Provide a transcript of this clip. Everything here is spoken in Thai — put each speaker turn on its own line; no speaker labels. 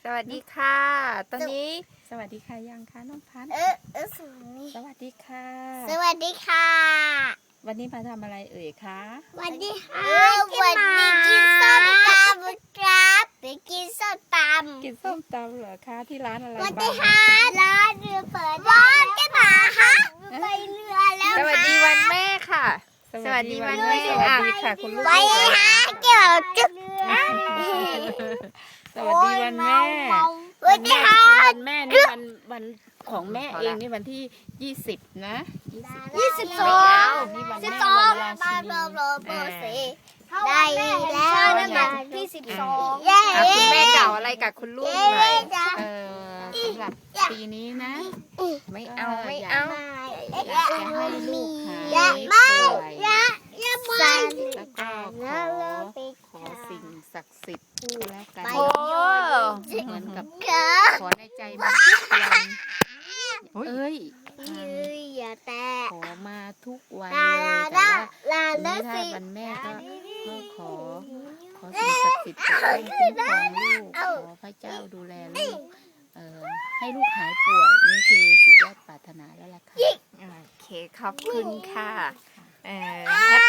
สวัสดีค่ะ ตอนนี้สวัสดีค่ะยังคะน้องพันธุ์สวัสดีค่ะ
สวัสดีค่ะ
วันนี้มาทำอะไรเอ่ยคะ
วันนี้วันนี้กินส้มตำครับไปกินส้มตำ
กินส้มตำเหรอคะที่ร้านอะไร
วัน
บ้า
นี้
ง
ค่ะร้านเรือเปิดร้านจะมาค่ะไปเรือแล้ว
สวัสดีวันแม่ค่ะ สวัสดีวันแม่สวัสดีค่ะคุณลูก
ไปหาเกี่ยวจุด
สวัสดีวันแม่
วันนี้ค่ะ
วันแม่นี่วันของแม่เองนี่วันที่20นะ22
22
นี่วัน
สิ
แม่
บสอง
วันรา
มา
ชิ
โร
นี
โรโบสีได้แล้ว
นั่นแหละ
ที่12
คุณแม่กล่าวอะไรกับคุณลูกหน่อยสำหรับปีนี้นะ ไม่เอาไม่เอา อยากจะให้ลูกหายป่วย แล้วก็ขอสิ่งศักดิ์สิทธิ์ก็แล้วกัน
โอ้
เหมือนกับ
เกิด
ขอในใจมาทุกวันเอ้ย
อย่าแตะ
ขอมาทุกวัน
ลา
เลย
ลา
แต่
ลา
ว่า
ลา
ทีนี้
สิ
ถ้าวันแม่ก็ขอสิ่งศักดิ์สิทธิ์ปกป้องคุ้มครองลูกขอพระเจ้าดูแลลูกให้ลูกหายป่วยนี่คือสุดยอดปรารถนาแล้วล่ะค่ะ
โอเคขอบคุณค่ะแฮป